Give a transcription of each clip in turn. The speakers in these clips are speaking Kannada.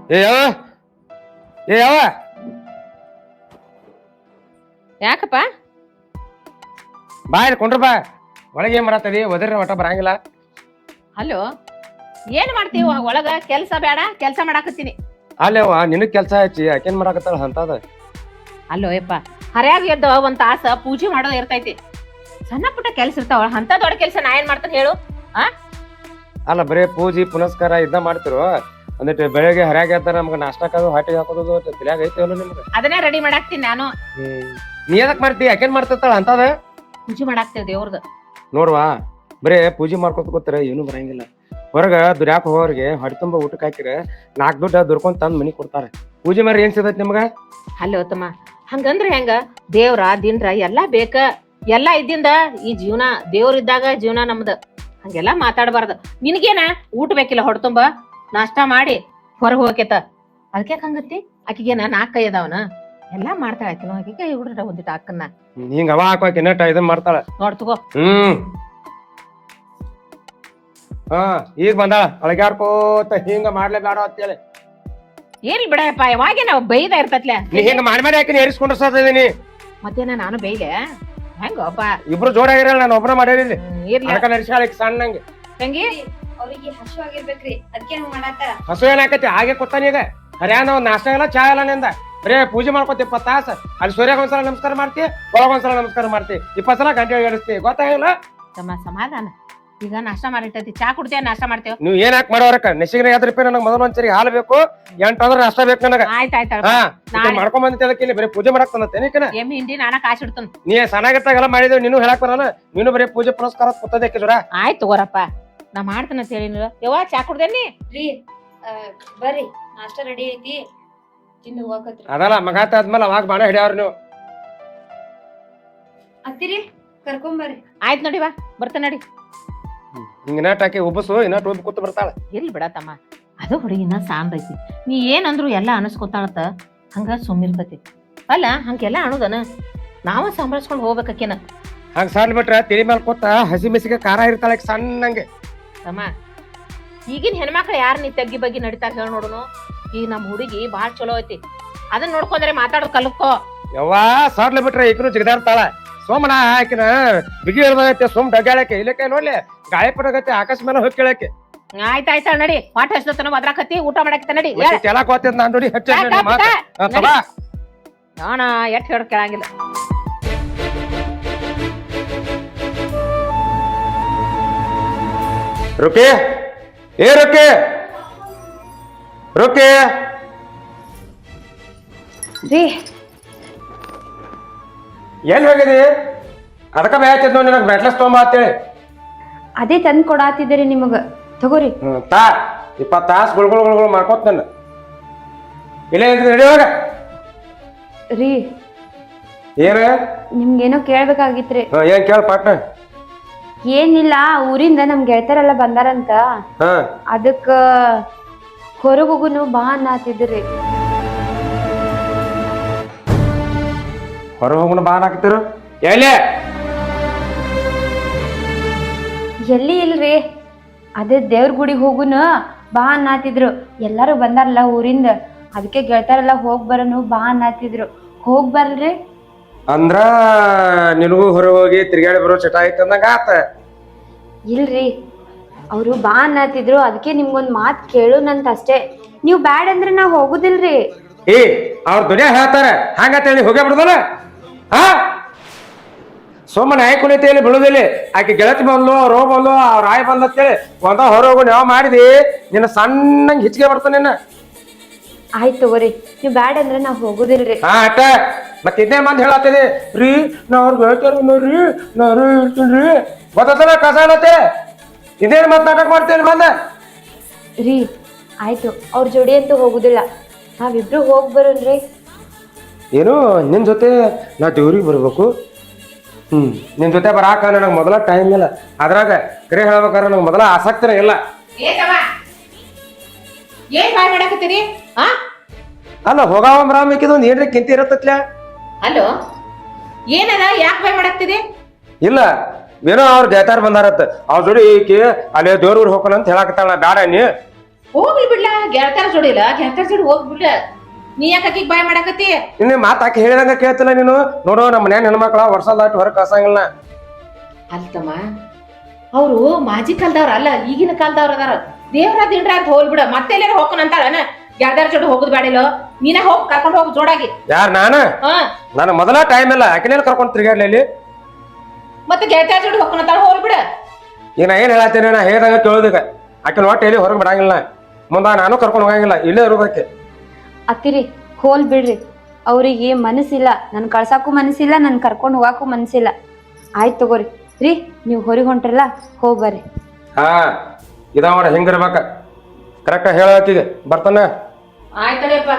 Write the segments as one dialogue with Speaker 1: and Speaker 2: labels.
Speaker 1: ಏ ಯಾವ ಏ ಯಾವ
Speaker 2: ಯಾಕಪ್ಪ
Speaker 1: ಬಾ ಇಲ್ಲಿ ಕೊಂಡ್ರ ಬಾ ಒಳಗೆ ಏನ್ ಮಾಡತ್ತದಿ ಒದರ್ರ ಒಟ್ಟ ಬರಂಗಿಲ್ಲ.
Speaker 2: ಹಲೋ ಏನ್ ಮಾಡ್ತೀವ ಒಳಗ ಕೆಲ್ಸ ಬೇಡ ಕೆಲ್ಸ ಮಾಡಾಕತ್ತೀನಿ.
Speaker 1: ಅಲ್ಲೇವ ನಿನಗ್ ಕೆಲ್ಸ ಹಚ್ಚಿ ಯಾಕೇನ್ ಮಾಡಾಕತ್ತಾಳ ಅಂತದ.
Speaker 2: ಅಲ್ಲೋ ಯಪ್ಪ ಹರ್ಯಾಗ ಎದ್ದ ಒಂದ್ ತಾಸ ಪೂಜೆ ಮಾಡೋದ್ ಇರ್ತೈತಿ. ಸಣ್ಣ ಪುಟ್ಟ ಕೆಲ್ಸ ಇರ್ತಾವ ಅಂತ ದೊಡ್ಡ ಕೆಲ್ಸ ನಾ ಏನ್ ಮಾಡ್ತಾನೆ ಹೇಳು.
Speaker 1: ಅಲ್ಲ ಬರೇ ಪೂಜಿ ಪುನಸ್ಕಾರ ಇದ್ದ ಮಾಡ್ತಿರು. ಒಂದಿಟ್ಟು ಬೆಳಗ್ಗೆ ಹರ್ಯಾಗ ಎದ್ದ ನಮ್ಗೆ ನಾಷ್ಟಕ್ಕದು ಹಾಟಿಗೆ ಹಾಕೋದು ತಲ್ಯಾಗ ಐತಿವಲ್ಲ ನಿಮ್ಗೆ.
Speaker 2: ಅದನ್ನೇ ರೆಡಿ ಮಾಡಾಕ್ತೀನಿ ನಾನು.
Speaker 1: ನೀ ಎದಕ್ ಮಾಡ್ತಿ ಯಾಕೇನ್ ಮಾಡ್ತಿರ್ತಾಳ ಅಂತದ.
Speaker 2: ಪೂಜೆ ಮಾಡಾಕ್ತೇವ್ ದೇವ್ರದ್.
Speaker 1: ನೋಡ್ವಾ ಬರೇ ಪೂಜೆ ಮಾಡ್ಕೊತ ಕೂತರ ಏನು ಬರಂಗಿಲ್ಲ. ಹೊರಗ ದುರ್ಯಾಕ ಹೋಗೋರಿಗೆ ಹೊಟ್ಟೆ ತುಂಬ ಊಟಕ್ಕೆ ಹಾಕಿರ 4 ದುಡ್ಡ ದುರ್ಕೊಂಡ್ ತಂದ್ ಮನಿ ಕೊಡ್ತಾರೆ. ಪೂಜೆ ಮಾರಿ ಏನ್ ಸಿಗತ್ ನಿಮ್ಗ?
Speaker 2: ಹಲೋ ತಮ್ಮ ಹಂಗಂದ್ರ ಹೆಂಗ ದೇವ್ರ ದಿನ್ರ ಎಲ್ಲಾ ಬೇಕ. ಎಲ್ಲಾ ಇದ್ದಿಂದ ಈ ಜೀವನ ದೇವ್ರಿದ್ದಾಗ ಜೀವನ ನಮ್ದ. ಹಂಗೆಲ್ಲಾ ಮಾತಾಡಬಾರ್ದು. ನಿನಗೇನ ಊಟ ಬೇಕಿಲ್ಲ ಹೊಟ್ಟೆ ತುಂಬ ನಾಷ್ಟಾ ಮಾಡಿ ಹೊರಗೆ ಹೋಗಕೇತ. ಅದಕ್ಕೆ ಹಂಗತ್ತಿ ಆಕಿಗೇನ 4 ಕೈ ಅದಾವನ ಎಲ್ಲಾ ಮಾಡ್ತಾಳ. ಆಕಿನ ಆಕಿ ಕೈ ಹುಡ್ರ ಒಂದಿಟ್ಟು ಅಕ್ಕನ್ನ
Speaker 1: ಹಿಂಗ ಅವ ಹಾಕಿ ಇನ್ನಟ ಇದನ್ ಮಾಡ್ತಾಳ
Speaker 2: ನೋಡ್ ತಗೋ.
Speaker 1: ಹಾ ಈಗ ಬಂದಾಳ ಅಳಗ್ಯಾಡ್ಕೋತ ಹಿಂಗ ಮಾಡ್ಲೇ ಬೇಡ ಅಂತೇಳಿ.
Speaker 2: ಏನ್ ಬಿಡಪ್ಪ ಯಾವಾಗೆ ನಾವ್ ಬೈದ ಇರ್ತತ್ಲೆ.
Speaker 1: ನೀ ಹಿಂಗ ಮಾಡಿ ಹಾಕಿ ಏರಿಸ್ಕೊಂಡು ಸಾಧಿನಿ.
Speaker 2: ಮತ್ತೇನ ನಾನು ಬೈಲೆ ಹೆಂಗಪ್ಪ
Speaker 1: ಇಬ್ರು ಜೋಡಾಗಿರಲ್ಲ ನಾನು ಒಬ್ಬನ ಮಾಡೇನಿ.
Speaker 2: ಇರ್ಲಿ
Speaker 1: ನಡ್ಸಾಳ ಸಣ್ಣಂಗೆ
Speaker 2: ತಂಗಿ
Speaker 3: ಅವ್ರಿಗೆ ಹಸು ಆಗಿರ್ಬೇಕ್ರಿ ಅದಕ್ಕೆ ಮಾಡಾಕ.
Speaker 1: ಹಸು ಏನಾಕತಿ ಹಾಗೆ ಕೊತ್ತಾನ ಈಗ. ಹರ್ಯಾನ ಒಂದ್ ನಾಷ್ಟ ಇಲ್ಲ ಚಾ ಇಲ್ಲ ನಿಂದ. ಬರೇ ಪೂಜೆ ಮಾಡ್ಕೊತಿ 20 ತಾಸ. ಅಲ್ಲಿ ಸೂರ್ಯಾಗ ಒಂದ್ಸಲ ನಮಸ್ಕಾರ ಮಾಡ್ತಿ ಒಳಗೊಂದ್ಸಲ ನಮಸ್ಕಾರ ಮಾಡ್ತಿ 20 ಸಲ ಗಂಟೆ ಎಡಿಸ್ತಿ ಗೊತ್ತಾಗಿಲ್ಲ.
Speaker 2: ತಮ್ಮ ಸಮಾಧಾನ. ಈಗ ನಾಷ್ಟ ಮಾಡಿರ್ತೈತಿ ಚಾ ಕುಡ್ತೇವ ನಾಷ್ಟ ಮಾಡ್ತೇವ.
Speaker 1: ನೀವ್ ಏನ್ ಹಾಕಿ ಮಾಡೋರಕ್ಕ ನೆಸಿಗಿನ 5 ರೂಪಾಯಿ ನನಗೆ ಮೊದಲು ಒಂದ್ಸರಿ ಹಾಲು ಬೇಕು 8 ಅಂದ್ರೆ ನಾಷ್ಟ ಬೇಕು ನನಗ.
Speaker 2: ಆಯ್ತಾಯ್ತ
Speaker 1: ಮಾಡ್ಕೊಂಡ್ ಬಂದಿದ್ದೆ ಅದಕ್ಕೆ ಬರೀ ಪೂಜೆ ಮಾಡಕ್ ತಂದತ್ತೇನಿಕನ.
Speaker 2: ಎಮ್ಮಿ ಹಿಂಡಿ ನಾನ ಕಾಸು ಇಡ್ತೇನೆ.
Speaker 1: ನೀ ಸಣ್ಣಾಗಿರ್ತಾಗೆಲ್ಲ ಮಾಡಿದೇವ್ ನೀನು ಹೇಳಕ್ ಬರಲ್ಲ. ನೀನು ಬರೀ ಪೂಜೆ ಪುನಸ್ಕಾರ ಕೂತದಕ್ಕೆ ಜೋರ.
Speaker 2: ಆಯ್ತು ತಗೋರಪ್ಪ ನಾ ಮಾಡ್ತೇನೆ ಅಂತ ಹೇಳಿ ಯವ್ವ ಚಾ ಕುಡ್ದೇನಿ
Speaker 3: ರೀ. ಬರ್ರಿ ನಾಷ್ಟ ರೆಡಿ ಐತಿ ತಿಂದು ಹೋಗಕತ್ರಿ.
Speaker 1: ಅದಲ್ಲ ಮಗಾತ ಆದ್ಮೇಲೆ ಅವಾಗ ಬಾಣ ಹಿಡಿಯವ್ರ ನೀವು.
Speaker 3: ಅತ್ತಿರಿ ಕರ್ಕೊಂಬರ್ರಿ.
Speaker 2: ಆಯ್ತು ನೋಡಿ ಬಾ ಬರ್ತೇನೆ ನಡಿ.
Speaker 1: ಹಿಂಗ ನಟ್ ಹಾಕಿ ಉಬ್ಬಸು ಇನ್ನಟ್ ಉಬ್ಬ ಕೂತ್ ಬರ್ತಾಳ.
Speaker 2: ಎಲ್ಲಿ ಬಿಡತಮ್ಮ ಅದು ಹುಡುಗಿನ ಸಾಂದೈತಿ. ನೀ ಏನಂದ್ರು ಎಲ್ಲಾ ಅನಸ್ಕೊತಾಳತ್ತ ಹಂಗ ಸುಮ್ಮಿರ್ತತಿ. ಅಲ್ಲ ಹಂಗೆಲ್ಲ ಅಣುದನ ನಾವ ಸಂಭಾಳಿಸ್ಕೊಂಡ್ ಹೋಗ್ಬೇಕೇನ.
Speaker 1: ಹಂಗ ಸಣ್ಣ ಬಿಟ್ರ ತಿಳಿ ಮೇಲೆ ಕೂತ ಹಸಿ ಮೆಸಿಗೆ ಖಾರ ಇರ್ತಾಳ ಸಣ್ಣಂಗೆ.
Speaker 2: ತಮ್ಮ ಈಗಿನ ಹೆಣ್ಮಕ್ಳು ಯಾರು ನೀ ತಗ್ಗಿ ಬಗ್ಗೆ ನಡಿತಾರ ಹೇಳಿ ನೋಡುನು. ಈಗ ನಮ್ ಹುಡುಗಿ ಬಾಳ್ ಚಲೋ ಐತಿ. ಅದನ್ನ ನೋಡ್ಕೊಂಡ್ರೆ ಮಾತಾಡೋದ್ ಕಲ್ಕೋ.
Speaker 1: ಯವ್ವಾ ಸಾರ್ಲ ಬಿಟ್ರೆ ಈಕನು ಜಿಗದಾಡ್ತಾಳ. ಸೋಮನ ಹಾಕಿನ ಬಿಗಿ ಹೇಳ್ದೈತೆ ಸೋಮ್ ಡಗ್ಯಾಳಕ್ಕೆ ಇಲ್ಲಕ್ಕೆ ನೋಡ್ಲಿ ಗಾಳಿ ಪಡಗತ್ತೆ ಆಕಾಶ ಮೇಲೆ ಹೋಗಿ ಕೇಳಕ್ಕೆ.
Speaker 2: ಆಯ್ತಾಯ್ತ ನಡಿ ಪಾಠ ಹಚ್ಚತನ ಬದ್ರಾಕತ್ತಿ ಊಟ ಮಾಡಾಕತ್ತ ನಡಿ.
Speaker 1: ಕೆಳಕ್ ಹೋಗ್ತದ ನಾನ್ ನೋಡಿ ಹೆಚ್ಚ
Speaker 2: ನಾನ ಎಟ್ ಹೇಳ ಕೇಳಂಗಿಲ್ಲ.
Speaker 1: ರುಕಿ ಏ ರುಕಿ ರುಕಿ
Speaker 3: ರೀ
Speaker 1: ಎಲ್ಲಿ ಹೋಗಿದಿ? ಅದಕ್ಕ ಬೇಯ್ತಿದ್ ನೋಡಿ ನನಗೆ ಬ್ಯಾಟ್ಲೆಸ್ ತೊಗೊಂಬ ಅಂತೇಳಿ.
Speaker 3: ಅದೇ ತಂದ್ ಕೊಡಾತಿದ್ದೀರಿ ನಿಮಗ ತಗೋರಿ.
Speaker 1: ತಾ 20 ತಾಸು ಗುಳ್ಗುಳು ಮಾಡ್ಕೋತ ನನ್ನ ಇಲ್ಲೇ ರೆಡಿ ಹೋಗ.
Speaker 3: ರೀ
Speaker 1: ಏನ
Speaker 3: ನಿಮ್ಗೇನೋ ಕೇಳ್ಬೇಕಾಗಿತ್ರಿ.
Speaker 1: ಏನ್ ಕೇಳ ಪಾಟ್ನ.
Speaker 3: ಏನಿಲ್ಲ ಊರಿಂದ ನಮ್ ಗೆಳತರೆಲ್ಲ ಬಂದಾರಂತ ಅದಕ್ಕ ಹೊರಗೋಗುನು ಬಾ ಅನ್ನತಿದ್ರಿ.
Speaker 1: ಹೊರ ಹೋಗೋಣ ಬಾ ಹಾಕ್ತಿರು ಎಲ್ಲಿ
Speaker 3: ಎಲ್ಲಿ ಇಲ್ರಿ ಅದೇ ದೇವ್ರ ಗುಡಿಗೆ ಹೋಗುನ ಬಾ ಅನ್ನತಿದ್ರು. ಎಲ್ಲಾರು ಬಂದಾರಲ್ಲ ಊರಿಂದ ಅದಕ್ಕೆ ಗೆಳತಾರೆಲ್ಲ ಹೋಗ್ ಬರೋನು ಬಾ ಅನ್ನತಿದ್ರು. ಹೋಗ್ ಬರ್ರಿ
Speaker 1: ಅಂದ್ರ ನಿನಗೂ ಹೊರ ಹೋಗಿ ತಿರ್ಗಾಡಿ ಬರೋ ಚಟ ಐತ ಅಂದಂಗ ಆತ.
Speaker 3: ಇಲ್ರಿ ಅವ್ರು ಬಾ ಅನ್ನತಿದ್ರು ಅದಕ್ಕೆ ನಿಮ್ಗೊಂದ್ ಮಾತ್ ಕೇಳುನಂತ ಅಷ್ಟೇ. ನೀವ್ ಬ್ಯಾಡ್ ಅಂದ್ರೆ ನಾವ್ ಹೋಗುದಿಲ್ರಿ.
Speaker 1: ಏ ಅವ್ರ ದುನಿಯಾ ಹೇಳ್ತಾರ ಹಂಗಂತೇಳಿ ಹೋಗೇ ಬಿಡುದಲ್ಲ. ಹಾ ಸೋಮನ ಆಯ್ ಕುಣಿತೇಳಿ ಬಿಡುದಿಲ್ಲ. ಆಕೆ ಗೆಳತಿ ಬಂದ್ಲು ಅವ್ರ ಬಂದ್ಲು ಅವ್ರ ಆಯ್ ಬಂದತ್ತೇಳಿ ಒಂದ ಹೊರ ಹೋಗು ಯಾವ ಮಾಡಿದಿ ನಿನ್ನ ಸಣ್ಣಂಗ್ ಹಿಚ್ಗೆ ಬರ್ತಾನ ನಿನ್ನ.
Speaker 3: ಆಯ್ತು ತಗೋರಿ ನೀವ್ ಬ್ಯಾಡ್ ಅಂದ್ರೆ ನಾವ್ ಹೋಗುದಿಲ್ರಿ.
Speaker 1: ಹಾ ಅಟ್ಟ ಮತ್ತೆ ಇದೇ ಮಂದಿ ಹೇಳತ್ತಿದಿ ರೀ ನಾ ಅವ್ರ ಗೆಳತಿಯರ್ ನೋಡ್ರಿ ನಾನು ಹೇಳ್ತೀನಿ ಗೊತ್ತಲ್ಲ ಕಸ ಅನ್ನತ್ತೆ. ಇದೇನು ಮತ್ ನಾಟಕ ಮಾಡ್ತೇನೆ ಮಂದ
Speaker 3: ರೀ. ಆಯ್ತು ಅವ್ರ ಜೋಡಿ ಅಂತೂ ಹೋಗುದಿಲ್ಲ ನಾವಿಬ್ರು ಹೋಗ್ ಬರೋಣ್ರಿ.
Speaker 1: ಏನು ನಿನ್ ಜೊತೆ ನಾ ದೇವ್ರಿಗೆ ಬರ್ಬೇಕು. ನಿನ್ ಜೊತೆ ಬರಾಕ ನನಗೆ ಮೊದಲ ಟೈಮ್ ಇಲ್ಲ. ಅದ್ರಾಗ ಕರೆ ಹೇಳ್ಬೇಕಾದ್ರೆ ನನಗೆ ಮೊದಲ ಆಸಕ್ತಿನೇ ಇಲ್ಲ.
Speaker 2: ಏನ್ ಬಾಯ್ ಮಾಡಾಕತ್ತೀರಿ?
Speaker 1: ಅಲ್ಲ ಹೋಗಾವ ರಾಮಿಕಿದ ಒಂದ್ ಏನ್ರಿ ಕಿಂತಿ ಇರತ್ತತ್ಲ.
Speaker 2: ಹಲೋ ಏನದ ಯಾಕೆ ಬಾಯ್ ಮಾಡಾಕ್ತಿದಿ?
Speaker 1: ಇಲ್ಲ ಏನೋ ಅವ್ರ ಗೆಳತಾರ ಬಂದಾರತ್ತ ಅವ್ರ ಜೋಡಿ ಈಕಿ ಅಲ್ಲಿ ದೇವ್ರ ಊರ್ ಹೋಗೋಣ ಅಂತ ಹೇಳಾಕತ್ತಾಳ. ಬ್ಯಾಡ ನೀ
Speaker 2: ಹೋಗ್ಲಿ ಬಿಡ್ಲ, ಗೆಳತಾರ ಜೋಡಿಲ್ಲ, ಗೆಳತಾರ ಜೋಡಿ ಹೋಗ್ಬಿಡ್ಲ. ನೀ ಯಾಕೆ ಆಕಿಗ್ ಬಾಯ್ ಮಾಡಾಕತ್ತಿ?
Speaker 1: ನಿನ್ನ ಮಾತು ಆಕೆ ಹೇಳಿದಂಗ ಕೇಳ್ತಿಲ್ಲ ನೀನು. ನೋಡು ನಮ್ಮ ಮನ್ಯಾನ ಹೆಣ್ಮಕ್ಳ ವರ್ಷ ದಾಟಿ ಹೊರಗೆ ಕಳ್ಸಂಗಿಲ್ಲ.
Speaker 2: ಅಲ್ತಮ್ಮ, ಅವ್ರು ಮಾಜಿ ಕಾಲದವ್ರ ಅಲ್ಲ, ಈಗಿನ ಕಾಲದವ್ರ ಅದಾರ. ದೇವ್ರ ದಿಂಡ್ರ ಅಂತ ಹೋಗ್ಬಿಡ, ಮತ್ತೆ ಎಲ್ಲಾರ ಹೋಗೋಣ ಅಂತಾಳನ? ಗೆಳತಾರ ಜೋಡಿ ಹೋಗುದ್ ಬ್ಯಾಡಿಲೋ, ನೀನೇ ಹೋಗ್ ಕರ್ಕೊಂಡ್ ಹೋಗ್ ಜೋಡಾಗಿ.
Speaker 1: ಯಾರು ನಾನು ಮೊದಲ ಟೈಮ್ ಇಲ್ಲ ಆಕಿನೇನು ಕರ್ಕೊಂಡು ತಿರ್ಗಾಡ್ಲಿ ಇಲ್ಲಿ.
Speaker 2: ಮತ್ತೆ ಗೆಳತಾರ ಜೋಡಿ ಹೋಗೋಣ ಅಂತಾಳ, ಹೋಗ್ಬಿಡ.
Speaker 1: ಈಗ ನಾ ಏನ್ ಹೇಳತ್ತೀನಿ, ನಾ ಹೇಳ್ದಂಗ ಕೇಳೋದಕ್ಕೆ ಆಕಿನ ಒಟ್ಟು ಎಲ್ಲಿ ಹೊರಗೆ ಬಿಡಂಗಿಲ್ಲ. ಮುಂದ ನಾನು ಕರ್ಕೊಂಡು ಹೋಗಂಗಿಲ್ಲ, ಇಲ್ಲೇ ಇರೋದಕ್ಕೆ.
Speaker 3: ಅತ್ತಿರಿ ಹೋಲ್ ಬಿಡ್ರಿ, ಅವ್ರಿಗೆ ಮನಸ್ಸಿಲ್ಲ, ನನ್ ಕಳ್ಸಾಕು ಮನಸ್ಸಿಲ್ಲ, ನನ್ ಕರ್ಕೊಂಡು ಹೋಗಾಕು ಮನಸ್ಸಿಲ್ಲ. ಆಯ್ತು ತಗೋರಿ ರೀ, ನೀವು ಹೊರಗೆ ಹೊಂಟ್ರಲ್ಲ, ಹೋಗ್ ಬರ್ರಿ.
Speaker 1: ಹಾ ಇದಾವ ಹೆಂಗಿರ್ಬೇಕ ಕರೆಕ್ಟ್ ಹೇಳತ್ತೀಗ ಬರ್ತಾನ.
Speaker 2: ಆಯ್ತಡಿಯಪ್ಪ,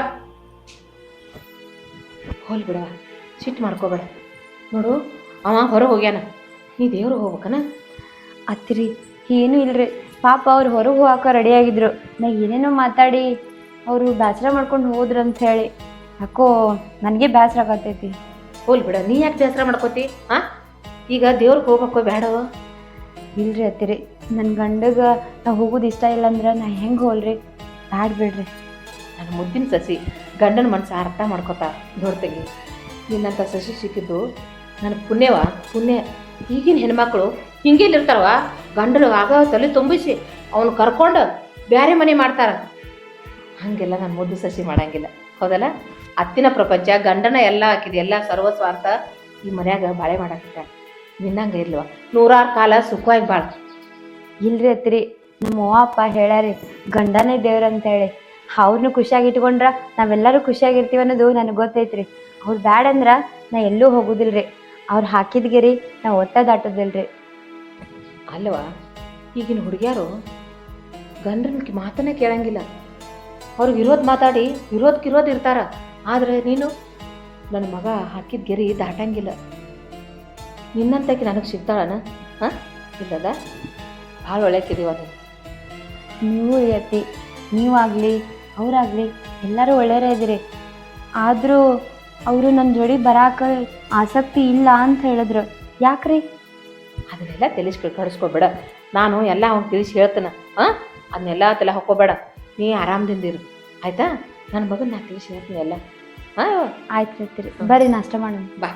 Speaker 2: ಹೋಲ್ ಬಿಡವ, ಸಿಟ್ಟು ಮಾಡ್ಕೋಬೇಡ. ನೋಡು ಅವ ಹೊರಗೆ ಹೋಗ್ಯಾನ, ನೀ ದೇವ್ರು ಹೋಗ್ಬೇಕನ.
Speaker 3: ಅತ್ತಿರಿ ಏನೂ ಇಲ್ರಿ, ಪಾಪ ಅವ್ರು ಹೊರಗೆ ಹೋಗಾಕ ರೆಡಿ ಆಗಿದ್ರು. ನಾ ಏನೇನೋ ಮಾತಾಡಿ ಅವರು ಬೇಸರ ಮಾಡ್ಕೊಂಡು ಹೋದ್ರು ಅಂತ ಹೇಳಿ ಯಾಕೋ ನನಗೆ ಬೇಸರ ಆಗತೈತಿ.
Speaker 2: ಹೋಲ್ ಬಿಡ, ನೀ ಯಾಕೆ ಬೇಸರ ಮಾಡ್ಕೋತಿ? ಈಗ ದೇವ್ರಿಗೆ ಹೋಗ್ಬೇಕು ಬೇಡವ?
Speaker 3: ಇಲ್ರಿ ಅತ್ತಿರಿ, ನನ್ನ ಗಂಡಗ ನಾ ಹೋಗೋದು ಇಷ್ಟ ಇಲ್ಲ ಅಂದ್ರೆ ನಾ ಹೆಂಗೆ ಹೋಲ್ರಿ? ಬ್ಯಾಡ್ ಬಿಡ್ರಿ.
Speaker 2: ನನ್ನ ಮುದ್ದಿನ ಸಸಿ ಗಂಡನ ಮನಸ್ಸು ಅರ್ಥ ಮಾಡ್ಕೋತಾರ. ನೋಡ್ತಂಗಿ, ನಿನ್ನಂಥ ಸಸಿ ಸಿಕ್ಕಿದ್ದು ನನಗೆ ಪುಣ್ಯ. ಈಗಿನ ಹೆಣ್ಮಕ್ಳು ಹಿಂಗೇಲಿರ್ತಾರವ, ಗಂಡರು ಆಗ ತಲೆ ತುಂಬಿಸಿ ಅವನು ಕರ್ಕೊಂಡು ಬೇರೆ ಮನೆ ಮಾಡ್ತಾರ. ಹಾಗೆಲ್ಲ ನಾನು ಮುದ್ದು ಸಸಿ ಮಾಡಂಗಿಲ್ಲ, ಹೌದಲ್ಲ? ಅತ್ತಿನ ಪ್ರಪಂಚ, ಗಂಡನ ಎಲ್ಲ ಹಾಕಿದೆ, ಎಲ್ಲ ಸರ್ವಸ್ವಾರ್ಥ ಈ ಮನ್ಯಾಗ ಬಾಳೆ ಮಾಡಾಕಿಟ್ಟ. ನಿನ್ನಂಗ ಇಲ್ವ, 100 ಕಾಲ ಸುಖವಾಗಿ ಬಾಳ.
Speaker 3: ಇಲ್ರಿ ಅತ್ತಿರಿ, ನಮ್ಮ ಅವ್ವ ಅಪ್ಪ ಹೇಳ್ಯಾರಿ ಗಂಡನೇ ದೇವ್ರ ಅಂತ ಹೇಳಿ. ಅವ್ರನ್ನೂ ಖುಷಿಯಾಗಿ ಇಟ್ಕೊಂಡ್ರ ನಾವೆಲ್ಲರೂ ಖುಷಿಯಾಗಿರ್ತೀವಿ ಅನ್ನೋದು ನನಗೆ ಗೊತ್ತೈತ್ರಿ. ಅವ್ರು ಬ್ಯಾಡ ಅಂದ್ರ ನಾ ಎಲ್ಲೂ ಹೋಗುದಿಲ್ರಿ. ಅವ್ರು ಹಾಕಿದ ಗೆರಿ ನಾ ಒಟ್ಟ ದಾಟೋದಿಲ್ರಿ.
Speaker 2: ಅಲ್ವಾ, ಈಗಿನ ಹುಡುಗಿಯಾರು ಗಂಡನ ಮಾತನ್ನೇ ಕೇಳಂಗಿಲ್ಲ. ಅವ್ರಿಗೆ ಇರೋದು ಮಾತಾಡಿ ಇರೋದು ಇರ್ತಾರ. ಆದ್ರೆ ನೀನು ನನ್ನ ಮಗ ಹಾಕಿದ ಗೆರಿ ದಾಟಂಗಿಲ್ಲ. ನಿನ್ನಂತಕ್ಕೆ ನನಗೆ ಸಿಗ್ತಾಳನ? ಇಲ್ಲದ, ಭಾಳ ಒಳ್ಳೆಕಿದೀವ ನೀನು.
Speaker 3: ನೀವು ಅತ್ತಿ, ನೀವಾಗಲಿ ಅವರಾಗಲಿ ಎಲ್ಲರೂ ಒಳ್ಳೆಯವರೇ ಇದ್ದೀರಿ. ಆದರೂ ಅವರು ನನ್ನ ಜೋಡಿ ಬರಾಕ ಆಸಕ್ತಿ ಇಲ್ಲ ಅಂತ ಹೇಳಿದ್ರು. ಯಾಕ್ರಿ?
Speaker 2: ಅದನ್ನೆಲ್ಲ ಕಡಿಸ್ಕೋಬೇಡ. ನಾನು ಎಲ್ಲ ಅವ್ನು ತಿಳಿಸಿ ಹೇಳ್ತೇನೆ. ಅದನ್ನೆಲ್ಲ ತಲೆ ಹಾಕೋಬೇಡ. ನೀ ಆರಾಮದಿಂದಿರು, ಆಯ್ತಾ? ನನ್ನ ಮಗನ ನಾ ತಿಳಿಸಿ ಹೇಳ್ತೀನಿ ಎಲ್ಲ.
Speaker 3: ಆಯ್ತು ರೀ, ಬರ್ರಿ ನಾಷ್ಟ ಮಾಡೋಣ.
Speaker 2: ಬಾ.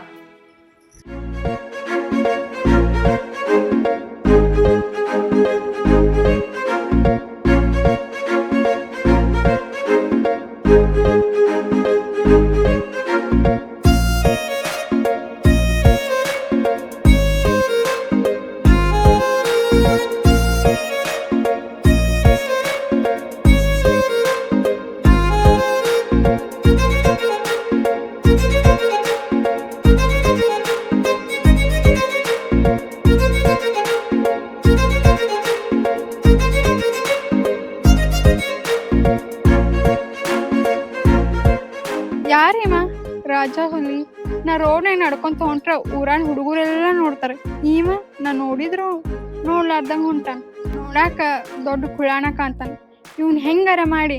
Speaker 4: ಯಾರೇಮ ರಾಜ ಹುಲಿ? ನಾ ರೋಡ್ನಾಗ ನಡ್ಕೊಂತ ಹೊಂಟ್ರ ಊರಾನ ಹುಡುಗರೆಲ್ಲ ನೋಡ್ತಾರೆ. ಈವ ನಾ ನೋಡಿದ್ರು ನೋಡ್ಲಾರ್ದಂಗ ಹೊಂಟಾನ. ನೋಡಾಕ ದೊಡ್ಡ ಕುಳಾಣ ಕಾಣ್ತಾನ. ಇವ್ನ ಹೆಂಗಾರ ಮಾಡಿ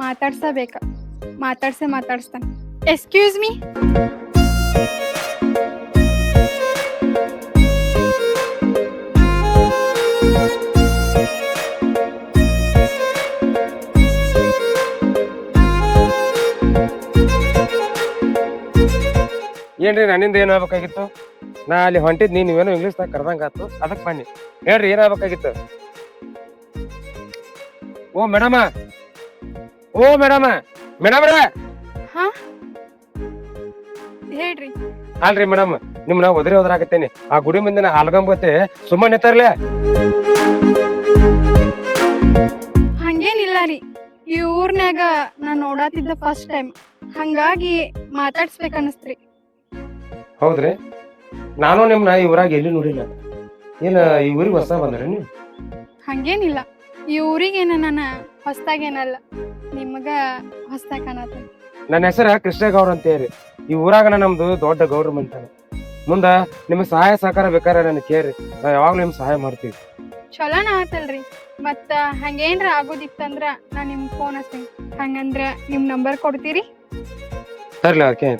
Speaker 4: ಮಾತಾಡ್ಸ್ತಾನ. Excuse me.
Speaker 1: ಏನ್ರಿ ನನ್ನಿಂದ ಏನು ಆಗ್ಬೇಕಾಗಿತ್ತು? ನಾ ಅಲ್ಲಿ ಹೊಂಟಿದ್ ನೀವೇನೋ ಇಂಗ್ಲೀಷ್ದಾಗ ಕರ್ದಂಗ ಆತು, ಅದಕ್ಕೆ ಬನ್ನಿ. ಹೇಳ್ರಿ ಏನಾಗ್ಬೇಕಾಗಿತ್ತು? ಓ ಮೇಡಮ ಮೇಡಮ್ರ
Speaker 4: ಹಾ ಹೇಳ್ರಿ.
Speaker 1: ಅಲ್ರಿ ಮೇಡಮ್, ನಿಮ್ನ ಹೋದ್ರಾಗತ್ತೇನಿ. ಆ ಗುಡಿ ಮುಂದಿನ ಆಲ್ಗಂಬತ್ತೆ ಸುಮ್ಮನೆ ನಿಂತಾರ್ಲೆ.
Speaker 4: ಹಂಗೇನಿಲ್ಲ ರೀ, ಈ ಊರ್ನ್ಯಾಗ ನಾ ನೋಡಾತಿದ್ದ ಫಸ್ಟ್ ಟೈಮ್, ಹಂಗಾಗಿ ಮಾತಾಡ್ಸ್ಬೇಕನ್ನಿಸ್ತ್ರಿ.
Speaker 1: ಹೌದ್ರಿ? ನಾನು ನಿಮ್ನ ಈ ಊರಾಗ ಎಲ್ಲಿ ನೋಡಿಲ್ಲ. ಏನ ಈ ಊರಿಗೆ ಹೊಸ ಬಂದ್ರಿ ನೀವು?
Speaker 4: ಹಂಗೇನಿಲ್ಲ, ಈ ಊರಿಗೇನ ನಾನು ಹೊಸ್ದಾಗೇನಲ್ಲ, ನಿಮಗ ಹೊಸ್ದಾಗ ಕಾಣತ್ತ.
Speaker 1: ನನ್ನ ಹೆಸರ ಕೃಷ್ಣ ಗೌಡ್ರ ಅಂತ ಹೇಳಿ. ಈ ಊರಾಗ ನಮ್ದು ದೊಡ್ಡ ಗೌಡ್ರ ಮಂತಾನ. ಮುಂದ ನಿಮ್ಗೆ ಸಹಾಯ ಸಹಕಾರ ಬೇಕಾರೆ ನನಗೆ ಕೇಳ್ರಿ, ನಾವ್ ಯಾವಾಗ್ಲೂ ನಿಮ್ಗೆ ಸಹಾಯ ಮಾಡ್ತೀವಿ.
Speaker 4: ಚಲೋನ ಆತಲ್ರಿ. ಮತ್ತ ಹಂಗೇನ್ರ ಆಗೋದಿತ್ತಂದ್ರ ನಾ ನಿಮ್ಗೆ ಫೋನ್ ಹಚ್ತೀನಿ. ಹಂಗಂದ್ರ ನಿಮ್ ನಂಬರ್ ಕೊಡ್ತೀರಿ?
Speaker 1: ಸರಿಲ್ಲ, ಅದಕ್ಕೆ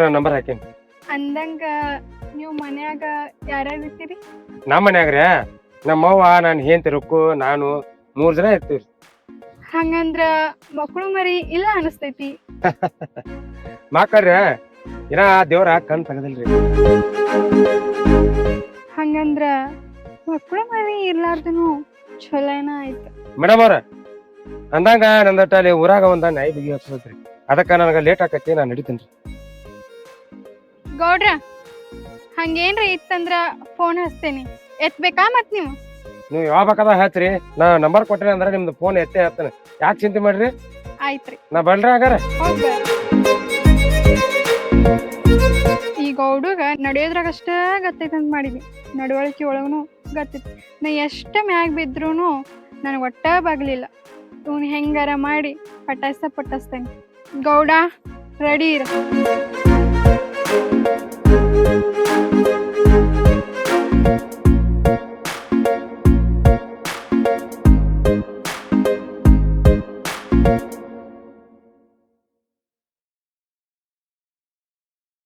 Speaker 1: ನಂಬರ್ ಹಾಕೇನಿ.
Speaker 4: ಅಂದಂಗ ನೀವು ಮನ್ಯಾಗ ಯಾರ್ಯಾರು ಇರ್ತೀರಿ?
Speaker 1: ನಮ್ಮ ಮನ್ಯಾಗ್ರಿ ನಮ್ಮವ್ವ ನಾನು ಹೆಂಡತಿ ನಾನು 3 ಜನ ಇರ್ತೀವ್ರಿ.
Speaker 4: ಹಂಗಂದ್ರ ಮಕ್ಕಳು ಮರಿ ಇಲ್ಲ ಅನಸ್ತೈತಿ.
Speaker 1: ಮಕ್ಕಳ್ರಿ ಇನ್ನ ದೇವ್ರ ಕಣ್ ತೆಗದಿಲ್ರಿ.
Speaker 4: ಹಂಗಂದ್ರ ಮಕ್ಕಳು ಮರಿ ಇರ್ಲಾರ್ದನು ಚಲೋನ ಆಯ್ತು.
Speaker 1: ಮೇಡಮ್ ಅವ್ರ ಅಂದಂಗ ನಂದಟ್ಟ ಅಲ್ಲಿ ಊರಾಗ ಒಂದ ನಾಯಿ ಬಿಗಿ ಹಚ್ಬೇಕ್ರಿ. ಅದಕ್ಕ ನನಗ ಲೇಟ್ ಆಕತಿ, ನಾನು ನಡಿತೀನಿ.
Speaker 4: ಗೌಡ್ರ ಹಂಗೇನ್ರ ಇತ್ತಂದ್ರ ಫೋನ್ ಹಚ್ತೇನಿ, ಎತ್ಬೇಕಾ ಮತ್ ನೀವು?
Speaker 1: ನೀವು ಯಾವ ಬೇಕಾದ ಹಚ್ರಿ, ನಾ ನಂಬರ್ ಕೊಟ್ರಿ ಅಂದ್ರ ನಿಮ್ದು ಫೋನ್ ಎತ್ತೇ ಹತ್ತೇನೆ. ಯಾಕೆ ಚಿಂತೆ ಮಾಡ್ರಿ?
Speaker 4: ಆಯ್ತ್ರಿ,
Speaker 1: ನಾ ಬಲ್ರಿ ಹಾಗಾರ.
Speaker 4: ಈ ಗೌಡುಗ ನಡೆಯೋದ್ರಾಗಷ್ಟ ಗತ್ತೈತಂತ ಮಾಡಿದ್ವಿ, ನಡವಳಿಕೆ ಒಳಗನು ಗತ್ತೈತಿ. ನಾ ಎಷ್ಟ ಮ್ಯಾಗ ಬಿದ್ರೂನು ನನಗೆ ಒಟ್ಟ ಬಾಗ್ಲಿಲ್ಲ. ಇವ್ನು ಹೆಂಗಾರ ಮಾಡಿ ಪಟಾಯಿಸ್ತೇನೆ. ಗೌಡ ರೆಡಿ ಇರ.